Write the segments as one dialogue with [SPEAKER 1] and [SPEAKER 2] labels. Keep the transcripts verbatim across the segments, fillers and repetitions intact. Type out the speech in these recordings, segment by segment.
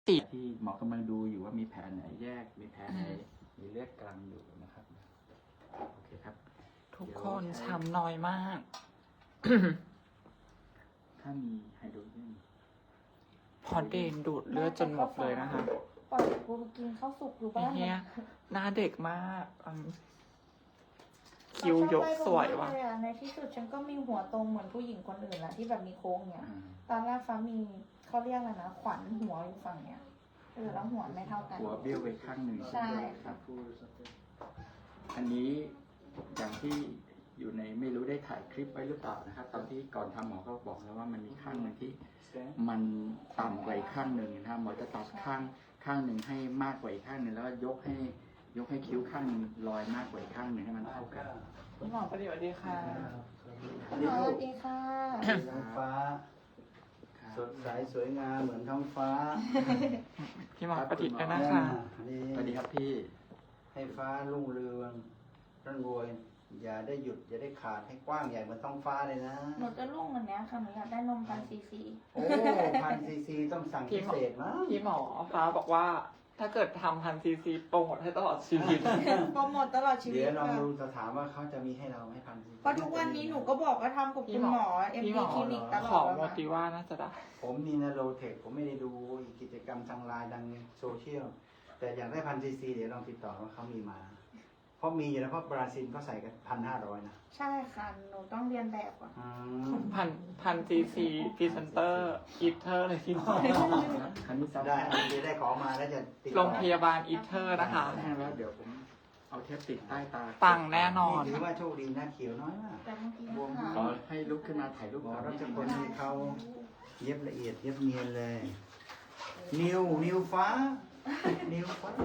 [SPEAKER 1] ที่หมอกำลังดูอยู่ว่ามีแผลไหนแยกมีแผลไหนมีเลือดกลางอยู่นะครับโอเคครับ
[SPEAKER 2] ทุกคนช้ำน้อยมาก
[SPEAKER 1] ถ้ามีไฮโดรเจน
[SPEAKER 2] พอเดนดูดเลือดจนหมดเลยนะคะ
[SPEAKER 3] ปล่อยกูกินข้าวสุกอยู่บ้าน
[SPEAKER 2] เฮียหน้าเด็กมากอืมคิ้วยกสวยว่ะ
[SPEAKER 3] ในที่สุดฉันก็มีหัวตรงเหมือนผู้หญิงคนอื่นแหละที่แบบมีโค้งเนี่ย
[SPEAKER 1] อ่า
[SPEAKER 3] ตอนแรกฟ้ามีเขาเรียกอะไรนะขวัญหัวอยู่ฝั่งเนี้ยเออแล้วหัวไม่เท่ากัน
[SPEAKER 1] หัวเบี้ยวไปข้างหนึ่ง
[SPEAKER 3] ใช่ค่ะ
[SPEAKER 1] อันนี้อย่างที่อยู่ในไม่รู้ได้ถ่ายคลิปไว้หรือเปล่านะครับ ตอนที่ก่อนทำหมอก็บอกแล้วว่ามันมีข้างหนึ่งที่มันต่ำกว่าอีกข้างหนึ่งนะครับหมอจะตัดข้างข้างหนึ่งให้มากกว่าอีกข้างหนึ่งแล้วก็ยกให้ยกให้คิ้วข้างหนึ่งลอยมากกว่าอีกข้างหนึ่งให้มันเท่ากัน
[SPEAKER 2] คุณหมอประเดี๋ยวดีค่ะ
[SPEAKER 3] สวัสดีค่ะ
[SPEAKER 4] ท้องฟ้า สดใสสวยงามเหมือนท้องฟ้า
[SPEAKER 2] พี่หมอประดิษฐ์ด้วยนะคะ
[SPEAKER 4] นี่
[SPEAKER 1] สวัสดีครับพี่
[SPEAKER 4] ให้ฟ้ารุ่งเรืองร่ำรวย อย่าได้หยุด อย่าได้ขาดให้กว้างใหญ่เหมือนท้องฟ้าเลยนะ
[SPEAKER 3] หนูจะลุ่งวันเนี้ยค่ะหนูอยากได้นมพันซีซี
[SPEAKER 4] โอ้พันซีซีต้องสั่ง
[SPEAKER 2] พี่
[SPEAKER 4] พิ
[SPEAKER 2] หมอ
[SPEAKER 4] เศษมั้ง
[SPEAKER 2] พี่หมอฟ้าบอกว่า ถ้าเกิดทำพันซีซีโปรโมทให้ตลอดชีวิต
[SPEAKER 3] โปรโมทตลอดชีวิ
[SPEAKER 4] เดี๋
[SPEAKER 3] ต
[SPEAKER 4] ยวลอง
[SPEAKER 3] ค่ะ
[SPEAKER 4] ดูจะถามว่าเขาจะมีให้เราไหมพันซีซี
[SPEAKER 3] เพราะทุกวันนี้หนูก็บอกว่าทำกับคุณหมอเอ็ม
[SPEAKER 2] พี่หม
[SPEAKER 3] ดี
[SPEAKER 2] อ
[SPEAKER 3] คลินิกตล
[SPEAKER 2] ข
[SPEAKER 3] อ
[SPEAKER 2] อ
[SPEAKER 3] ด
[SPEAKER 2] โมติว่าน่าจะได้
[SPEAKER 4] ผมมีนาโรเทคผมไม่ได้ดูกิจกรรมทางไลน์ดังโซเชียล แต่อยากได้พันซีซีเดี๋ยวลองติดต่อว่าเขามีมา เพราะมีอยู่แล้วเพราะบราซิลเขาใส่กันพันห้าร้อยนะ
[SPEAKER 3] ใช่ค่ะหนูต้องเรียนแบบก่อน
[SPEAKER 4] อืม
[SPEAKER 2] พันพันซีซีพรีเซนเตอร์อีเทอร์เลยพี่หมอ
[SPEAKER 1] อันนี้ซ้ำ
[SPEAKER 4] ได้เดี๋ยวได้ขอมาแล้วจะติดต่อ
[SPEAKER 2] โรงพยาบาลอีเทอร์นะคะ
[SPEAKER 1] แล้วเดี๋ยวผมเอาเทปติดใต้ตา
[SPEAKER 2] ปังแน่นอน
[SPEAKER 4] ถือว่าโชคดีนะเขียวน้อยมาก
[SPEAKER 3] แต่เมื่อกี้
[SPEAKER 4] บวม
[SPEAKER 3] ค่ะ
[SPEAKER 1] ขอให้ลุกขึ้นมาถ่ายรูป
[SPEAKER 4] หมอ
[SPEAKER 1] ก่อน
[SPEAKER 4] รั
[SPEAKER 1] นิด
[SPEAKER 4] ช
[SPEAKER 1] นึง
[SPEAKER 4] พล
[SPEAKER 1] นะ
[SPEAKER 4] ให้เขาเย็บละเอียดเย็บเนียนเลย นิวนิวฟ้า นิวฟ้า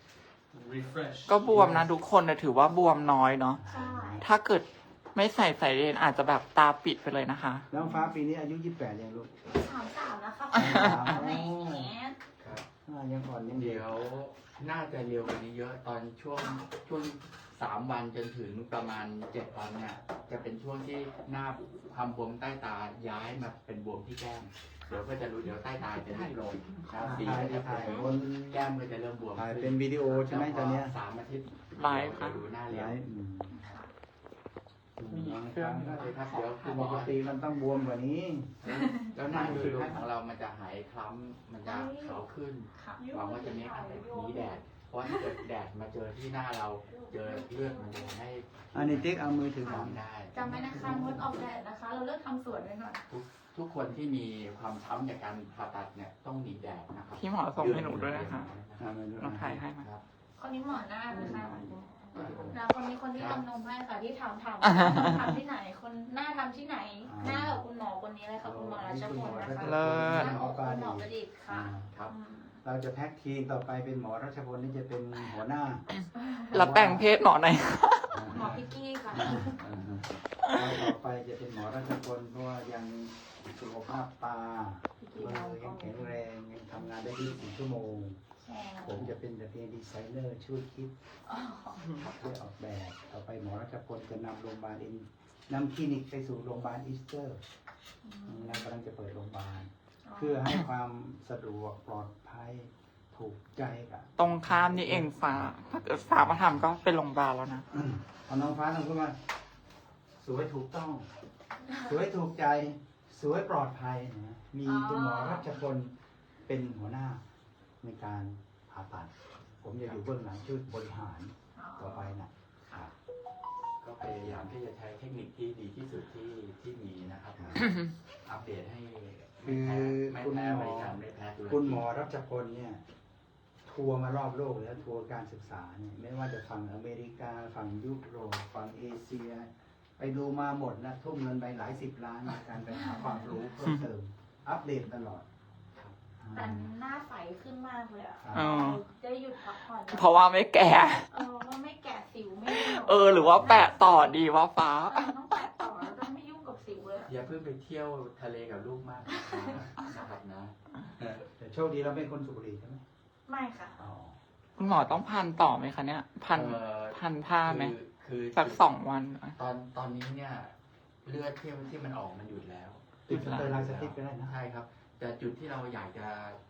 [SPEAKER 5] refresh
[SPEAKER 2] ก็บวมนะทุกคนแต่ถือว่าบวมน้อยเนาะ
[SPEAKER 3] ใช่
[SPEAKER 2] ถ้าเกิดไม่ใส่สายเรนอาจจะแบบตาปิดไปเลยนะคะ
[SPEAKER 4] น้องฟ้าปีนี้อายุยี่สิบแปดยังลูก
[SPEAKER 3] สามสามแล้วค่ะ
[SPEAKER 4] สาม
[SPEAKER 3] แหม
[SPEAKER 1] ครับ
[SPEAKER 4] อ่ายังอ่อนยังเด็
[SPEAKER 1] เดี๋
[SPEAKER 4] ก
[SPEAKER 1] ยวน่าจะเร็วกว่านี้เยอะตอนช่วงช่วงสามวันจนถึงประมาณเจ็ดวันเนี่ยจะเป็นช่วงที่หน้าความบวมใต้ตาย้ายมาเป็นบวมที่แก้มเดี๋ยวก็จะรู้เดี๋ยวใต้ตาจะเริ่มลงครับสี
[SPEAKER 4] ถ่าย
[SPEAKER 1] ก็จะเป
[SPEAKER 4] ถ่าย
[SPEAKER 1] ลี่ยน
[SPEAKER 4] บน
[SPEAKER 1] แก้มก็จะเริ่มบวม
[SPEAKER 4] ถ่าย
[SPEAKER 1] ขึ้
[SPEAKER 4] เป็นวิดีโอใช่ไหมตอนเนี้ย
[SPEAKER 1] สามอาทิตย์
[SPEAKER 2] ไลฟ์ค่ะ
[SPEAKER 1] ดูหน้าเร็
[SPEAKER 4] ไล
[SPEAKER 1] ว
[SPEAKER 4] ฟ์อืม
[SPEAKER 2] มี
[SPEAKER 4] น้อง
[SPEAKER 2] เครื่อง
[SPEAKER 4] ฟ้า
[SPEAKER 1] เลยครับเดี๋ยวคุณห
[SPEAKER 4] ป
[SPEAKER 1] มอก
[SPEAKER 4] ติมันต้องบวมกว่านี้
[SPEAKER 1] แล้วหน้าดูดูของเรามันจะหายคล้ำมันจะขาวขึ้น
[SPEAKER 3] ค่ะ
[SPEAKER 1] หวังว่าจะไม่อาจจะหนีแดด เพราะถ้าเกิดแดดมาเจอที่หน้าเรา เจอเลือดมันจะทำให้
[SPEAKER 4] อันนี้ติ๊กเอามือถือผม
[SPEAKER 1] ทำได้
[SPEAKER 3] จำไว้นะคะงดออกแดดนะคะ เราเลิกทำสวนไว้ก่อน
[SPEAKER 1] ทุกทุกคนที่มีความช้ำจากการผ่าตัดเนี่ยต้องหนีแดดนะครับ
[SPEAKER 2] พี่หมอส่งให้หนูด้วยนะคะ
[SPEAKER 4] อ่ามาดู
[SPEAKER 2] ลองถ่ายให้มา
[SPEAKER 1] ครับ
[SPEAKER 3] คนนี้หมอหน้านะคะแล้วคนนี้คนที่ทำนมให้ค่ะที่ถามถาม
[SPEAKER 1] อ่า
[SPEAKER 3] ทำที่ไหน คนหน้าทำที่ไหน หน้ากับคุณหมอคนนี้เลยค่ะคุณหมอรัชพลนะคะ
[SPEAKER 2] เลิศ
[SPEAKER 3] หน้าของคุณหมอประดิษฐ์ค่ะ
[SPEAKER 1] ครับ
[SPEAKER 3] อืม
[SPEAKER 4] เราจะแพ็กทีมต่อไปเป็นหมอรัชพลนี่จะเป็นหัวหน้า
[SPEAKER 2] แล้วแปลงเพศหมอหน่อย
[SPEAKER 3] หมอพิกกี้ค่ะ
[SPEAKER 4] เราต่อไปจะเป็นหมอรัชพลเพราะว่ายังสุขภาพตามือยังแข็งแรงยังทำงานได้ยี่สิบสี่ชั่วโมง
[SPEAKER 3] ใช่
[SPEAKER 4] ผมจะเป็นแต่เพียงดีไซเนอร์ช่วยคิดช่วยออกแบบต่อไปหมอรัชพลจะนำโรงพยาบาลอินนำคลินิกไปสู่โรงพยาบาลอีสเตอร์นะกำลังจะเปิดโรงพยาบาล เพื่อให้ความสะดวกปลอดภัยถูกใจกับ
[SPEAKER 2] ตรงข้ามนี่เองฟ้า ถ้าเกิดฟ้ามาทำก็เป็นโรงพยาบาลแล้วนะ
[SPEAKER 4] อืมเอาน้องฟ้าทำขึ้นมาสวยถูกต้อง สวยถูกใจ สวยปลอดภัยนะมีคุณหมอรัชพลเป็นหัวหน้าในการผ่าตัด ผมจะอยู่เบื้องหลังช่วยบริหารต่อไปนะครับ
[SPEAKER 1] ก็พยายามที่จะใช้เทคนิคที่ดีที่สุดที่ที่มีนะครับ อัปเดตให้ไม่แพ้ไม่แพ้บริการไม่แพ้ธุรกิจ
[SPEAKER 4] คุณหมอรัชพลเนี่ยทัวร์มารอบโลกแล้วทัวร์การศึกษาเนี่ยไม่ว่าจะฝั่งอเมริกาฝั่งยุโรปฝั่งเอเชีย ไปดูมาหมดนะทุ่มเงินไปหลายสิบล้านในการไปหาความรู้เพิ่มเติม อัปเดตตลอด
[SPEAKER 3] แต่หน้าใสขึ้นมากเลยอ่ะ
[SPEAKER 2] อ๋อ
[SPEAKER 3] ได้หยุดพักผ่อน
[SPEAKER 2] เพราะว่าไม่แก่
[SPEAKER 3] เออว่าไม่แกะสิวไม่ยุ่ง
[SPEAKER 2] เออ หรือว่าแปะต่อดีว่าฟ้า
[SPEAKER 3] เออต้องแปะต่อแล้วต้องไม่ยุ่งกับสิวเลยอะ
[SPEAKER 1] อย่าเพิ่งไปเที่ยวทะเลกับลูกมากนะครับนะ
[SPEAKER 4] แต่โชคดีเราเป็นคนสุบุรีใช่ไหม
[SPEAKER 3] ไม่ค่ะ
[SPEAKER 4] อ๋อ
[SPEAKER 2] คุณหมอต้องพันต่อไหมคะเนี่ย พัน
[SPEAKER 1] เอ่อ
[SPEAKER 2] พันผ้าไหม
[SPEAKER 1] คือคือ
[SPEAKER 2] สักสองวัน
[SPEAKER 1] ตอนตอนนี้เนี่ยเลือดที่ที่มันออกมันหยุดแล้ว
[SPEAKER 4] ติดสเตอร์ไลน์สติ๊กก็ได้นะ
[SPEAKER 1] ใช่ครับ แต่จุดที่เราอยากจะ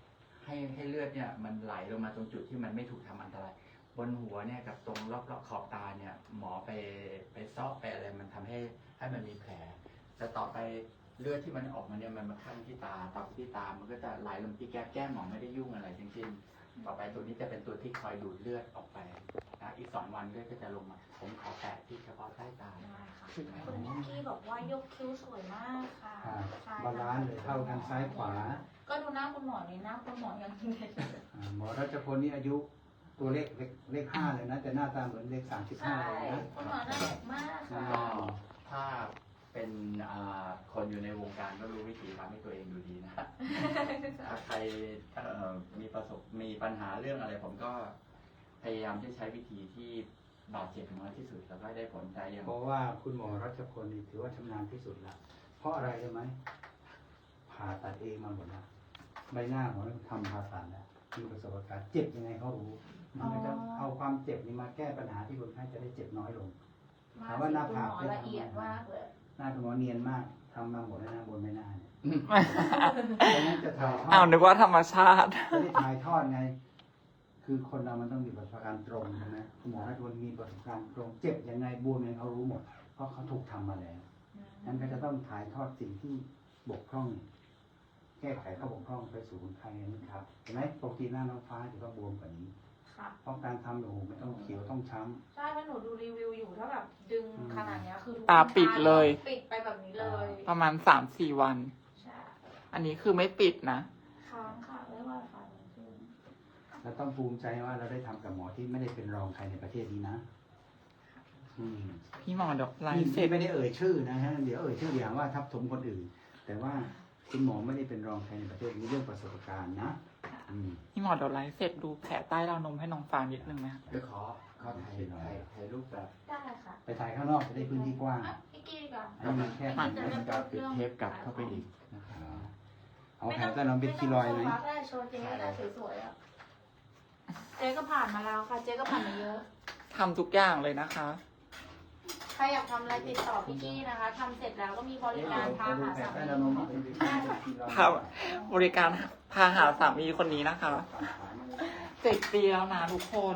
[SPEAKER 1] ให้ให้เลือดเนี่ยมันไหลลงมาตรงจุดที่มันไม่ถูกทำอันตรายบนหัวเนี่ยกับตรงรอบๆขอบตาเนี่ยหมอไปไปซอกไปอะไรมันทำให้ให้มันมีแผล แต่ต่อไปเลือดที่มันออกมาเนี่ยมันมาคั่งที่ตาต่อไปที่ตามันก็จะไหลลงที่แก้มแก้มหมอไม่ได้ยุ่งอะไรทั้งสิ้นต่อไปตัวนี้จะเป็นตัวที่คอยดูดเลือดออกไปนะอีกสองวันเลือดก็จะลงมาผมขอแตะที่เฉพาะใต้ตา
[SPEAKER 3] ได้ค่ะคุณนิกกี้บอกว่ายกคิ้วสวยมากค่ะ
[SPEAKER 4] อ่า
[SPEAKER 3] ใช่
[SPEAKER 4] บาลานซ์เลยเท่ากันซ้ายขวา
[SPEAKER 3] ก็ดูหน้าคุณหมอนี่หน้าคุณหมอยังเด็ก
[SPEAKER 4] อ่าหมอรัชพลนี่อายุตัวเลขเลขเลขห้าเลยนะ แต่หน้าตาเหมือนเลขสามสิบห้า
[SPEAKER 3] ใช่
[SPEAKER 4] เลยนะ
[SPEAKER 3] คุณหมอหน้าเด็กมากค่ะ
[SPEAKER 1] ก็ถ้าเป็นอ่าคนอยู่ในวงการก็รู้วิธีทำให้ตัวเองดูดีนะ ถ้าใครเอ่อมีประสบมีปัญหาเรื่องอะไร ผมก็พยายามที่ใช้วิธีที่บาดเจ็บน้อยที่สุดแล้วก็ได้ผลใจอย่าง
[SPEAKER 4] เพราะว่าคุณหมอรัชพลนี่ถือว่าชำนาญที่สุดละเพราะอะไรรู้ไหมผ่าตัดเองมาหมดแล้วใบหน้าหมอทำผ่าตัดแล้วมีประสบการณ์เจ็บยังไงเขารู้มันก็จะเอาความเจ็บนี้มาแก้ปัญหาที่คนไข้จะได้เจ็บน้อยลง ถามว่าหน้าผาก
[SPEAKER 3] คุณหมอละเอียดมากเลย
[SPEAKER 4] หน้าคุณหมอเนียนมากทำมาหมดแล้วหน้าบนใบหน้าเนี่ยดังนั้นจะถ่ายทอ
[SPEAKER 2] อ้าว
[SPEAKER 4] ด
[SPEAKER 2] นึกว่าธรรมชาติ
[SPEAKER 4] จะได้ถ่ายทอดไง คือคนเรามันต้องมีประสบการณ์ตรงใช่ไหมคุณหมอรัชพลมีประสบการณ์ตรง เจ็บยังไงบวมยังไงเขารู้หมด เพราะเขาถูกทำมาแล้วนั้นก็จะต้องถ่ายทอดสิ่งที่บกพร่อง แก้ไขข้อบกพร่องไปสู่คนไข้นั่นครับเห็นไหมปกติหน้าน้องฟ้าจะต้องบวมกว่านี้
[SPEAKER 3] ค่ะ
[SPEAKER 4] เพราะการทำโอ้โหไม่ต้องเขียวต้องช้ำ
[SPEAKER 3] ใช่เพราะหนูดูรีวิวอยู่ถ้าแบบดึงขนาดเนี้ยคือทุก
[SPEAKER 2] ตาปิดเลย
[SPEAKER 3] ปิดไปแบบนี้เลย
[SPEAKER 2] ประมาณสามสี่วัน
[SPEAKER 3] ใช่
[SPEAKER 2] อันนี้คือไม่ปิดนะ
[SPEAKER 3] ค้างค่ะไม่ว่าค่ะจริง
[SPEAKER 4] เราต้องภูมิใจว่าเราได้ทำกับหมอที่ไม่ได้เป็นรองใครในประเทศนี้นะ อืม
[SPEAKER 2] พี่หมอเดอกไล
[SPEAKER 4] นี่
[SPEAKER 2] ฟ์เสร็จ
[SPEAKER 4] ไม่ได้เอ่ยชื่อนะฮะ เดี๋ยวเอ่ยชื่ออย่างว่าทับถมคนอื่น แต่ว่าคุณหมอไม่ได้เป็นรองใครในประเทศนี้เรื่องประสบการณ์นะ อืม
[SPEAKER 2] พี่หมอเดอกไลฟ์เสร็จดูแผลใต้ราวนมให้น้องฟางนิดนึงไหมคะ
[SPEAKER 1] เดี๋ยวขอขอถ่ายถ่ายถ่ายรูปแบบ
[SPEAKER 3] ได้ค่ะ
[SPEAKER 4] ไปถ่ายข้างนอกจะได้พื้นที่กว้าง
[SPEAKER 3] อ่ะพี่กี้ดีกว่า
[SPEAKER 4] อันนี้มันแค่
[SPEAKER 1] มันมันจะติดเทปกลับเข้าไปอีกนะครับ
[SPEAKER 4] เอาแผลใต้เราเป็นคีรอยด์ไหม
[SPEAKER 3] ไม่ต้องโชว์ได้โชว์เจ๊อะไรสวยๆอ่ะเจ๊ก็ผ่านมาแล้วค่ะ เจ๊ก็ผ่านมาเยอะ
[SPEAKER 2] ทำทุกอย่างเลยนะคะ
[SPEAKER 3] ใครอยากทำอะไรติดต่อพี่กี้นะคะทำเสร็จแล้วก็มีบริการพาหาสา
[SPEAKER 4] ใต้
[SPEAKER 3] มี
[SPEAKER 4] เรานมนี่เป็นคีรอยด์เป็นคีรอยด์
[SPEAKER 2] ครับ บริการพาหาสามีคนนี้นะคะเจ็ดปีแล้วนะทุกคน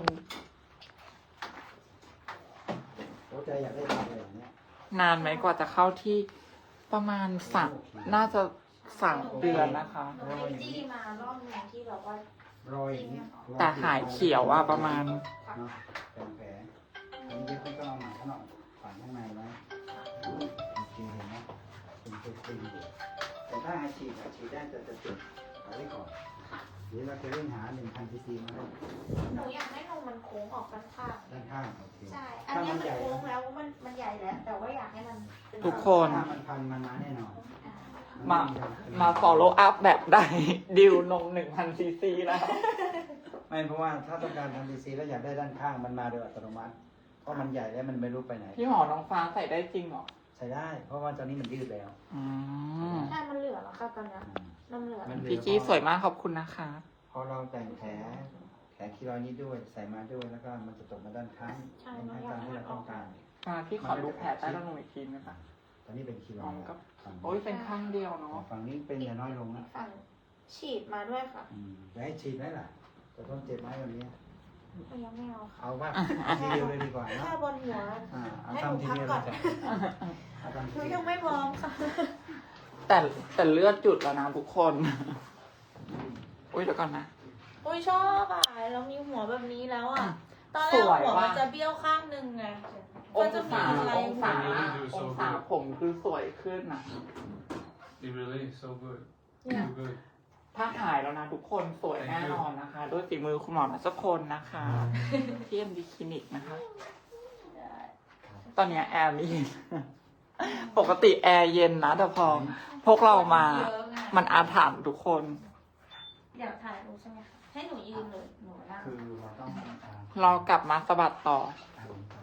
[SPEAKER 4] หัวใจอยากได้ทำอะไรอย่างเนี้ย
[SPEAKER 2] นานไหมกว่าจะเข้าที่ประมาณสามน่าจะสามเดือนนะคะ
[SPEAKER 3] หนูไปจี้มารอบหนึงที่แบบว่าร
[SPEAKER 4] อยอย่างนี้
[SPEAKER 2] แต่หายเขียวอะประมาณ
[SPEAKER 4] เนาะเป็นแผลอันนี้เย็บไม่ต้องเอาหมาข้างนอกฝังข้างในไว้โอเคเห็นไหมเป็นตัวจริงอยู่แต่ถ้าหายฉีดอะฉีดได้จะจะจุดเอาไว้ก่อนเดี๋ยวเราจะเร่งหาหนึ่งพันซีซีมาให้
[SPEAKER 3] หนูอยากให้นมมันโค้งออกข้าง
[SPEAKER 4] ด้านข้างโอเค
[SPEAKER 3] ๆใช่ อันนี้มันโค้งแล้วมันมันใหญ่แล้ว แต่ว่าอยากให้มันเป็น
[SPEAKER 2] ทุกคน
[SPEAKER 4] ถ้ามันพันมันมาแน่นอน
[SPEAKER 3] อ่า
[SPEAKER 2] มา มา follow up แบบได้ ดิวนมหนึ่งพันซีซีแล้ว
[SPEAKER 4] ไม่เพราะว่าถ้าต้องการทำซีซีแล้วอยากได้ด้านข้างมันมาโดยอัตโนมัติ เพราะมันใหญ่แล้วมันไม่รู้ไปไหน
[SPEAKER 2] พี่หมอน้องฟ้าใส่ได้จริงเหรอ
[SPEAKER 4] ใช้ได้ เพราะว่าตอนนี้มันยืดแล้ว
[SPEAKER 2] อืม
[SPEAKER 3] ใช่ มันเหลือแล้วค่ะตอนเนี้ยนมเหลือ
[SPEAKER 4] มันเหลือ
[SPEAKER 2] พี่กี้สวยมากขอบคุณนะคะ
[SPEAKER 4] พอเราแต่งแผลแผลคีรอยด์นี้ด้วยใส่มาด้วยแล้วก็มันจะตกมาด้านข้าง
[SPEAKER 3] ใช่
[SPEAKER 4] เป็น
[SPEAKER 3] หนู
[SPEAKER 4] ให้
[SPEAKER 3] อยา
[SPEAKER 4] ตาก ม
[SPEAKER 3] ให้
[SPEAKER 4] ที่
[SPEAKER 3] มั
[SPEAKER 4] เรา
[SPEAKER 3] นอ
[SPEAKER 4] ต้
[SPEAKER 3] อ
[SPEAKER 4] อก งการ
[SPEAKER 2] มาพี่ขอดูแผลใต้ราวนมอีกทีไหมคะ
[SPEAKER 4] ตอนนี้เป็นคีร
[SPEAKER 2] อ๋
[SPEAKER 4] อ
[SPEAKER 2] อย
[SPEAKER 4] ด์
[SPEAKER 2] ก็
[SPEAKER 4] ฝั่ง
[SPEAKER 2] โอ้ยเป็นข้างเดียวเนาะ
[SPEAKER 4] ฝั่งนี้เป็นอย่าน้อยลงนะ
[SPEAKER 3] ฝั่งฉีดมาด้วยค่ะ
[SPEAKER 4] อืมจะให้ฉีดไหมล่ะจะต้องเจ็บไหมวันนี้
[SPEAKER 3] ก็ยังไม่เอาค่ะ
[SPEAKER 4] เอาว่าทีเดียวเลยดีกว่านะ
[SPEAKER 3] แค่บนหัว
[SPEAKER 4] อ่าเอา
[SPEAKER 3] ให้หนู
[SPEAKER 4] ทำที
[SPEAKER 3] พัก
[SPEAKER 4] เดียว
[SPEAKER 3] ก่
[SPEAKER 4] เล
[SPEAKER 3] อน
[SPEAKER 4] ยเอาทำ
[SPEAKER 3] ห
[SPEAKER 4] ที
[SPEAKER 3] นู
[SPEAKER 4] เดี
[SPEAKER 3] ยั
[SPEAKER 4] ยว
[SPEAKER 3] งไม่พร้อมค่ะ
[SPEAKER 2] แต่แต่เลือดจุดแล้วนะทุกคน อุ้ยเดี๋ยวก่อนนะ
[SPEAKER 3] อุ้ยชอบอ่ะเรามีหัวแบบนี้แล้วอ่ะ ตอนแร
[SPEAKER 2] ส
[SPEAKER 3] ก
[SPEAKER 2] วย
[SPEAKER 3] หัว
[SPEAKER 2] ว่ะ
[SPEAKER 3] มันจะเบี้ยวข้างหนึงไง
[SPEAKER 2] อ
[SPEAKER 3] ก็
[SPEAKER 2] ง
[SPEAKER 3] จะมี
[SPEAKER 2] ศา
[SPEAKER 3] อะไร
[SPEAKER 2] องศา
[SPEAKER 3] หัว
[SPEAKER 2] องศาผมคือสวยขึ้นนะ
[SPEAKER 5] It really is so good.
[SPEAKER 3] เนี่ย
[SPEAKER 5] So good.
[SPEAKER 2] ถ้าหายแล้วนะทุกคนสวยแน่นอนนะคะ ด้วยฝีมือคุณหมอรัชพลนะคะที่เอ็มดีคลินิกนะคะ ตอนเนี้ยแอร์ไม่เย็น ปกติแอร์เย็นนะ แต่พอพวกเรามา
[SPEAKER 3] เยอะไง
[SPEAKER 2] มันอาถรรพ์ทุกคน
[SPEAKER 3] อยากถ่ายรูปใช่ไหมคะให้หนูยืนเลยหนูนั่ง
[SPEAKER 4] คือเราต้องอ่า
[SPEAKER 2] เรากลับมาสะบัดต่อ
[SPEAKER 4] อ่า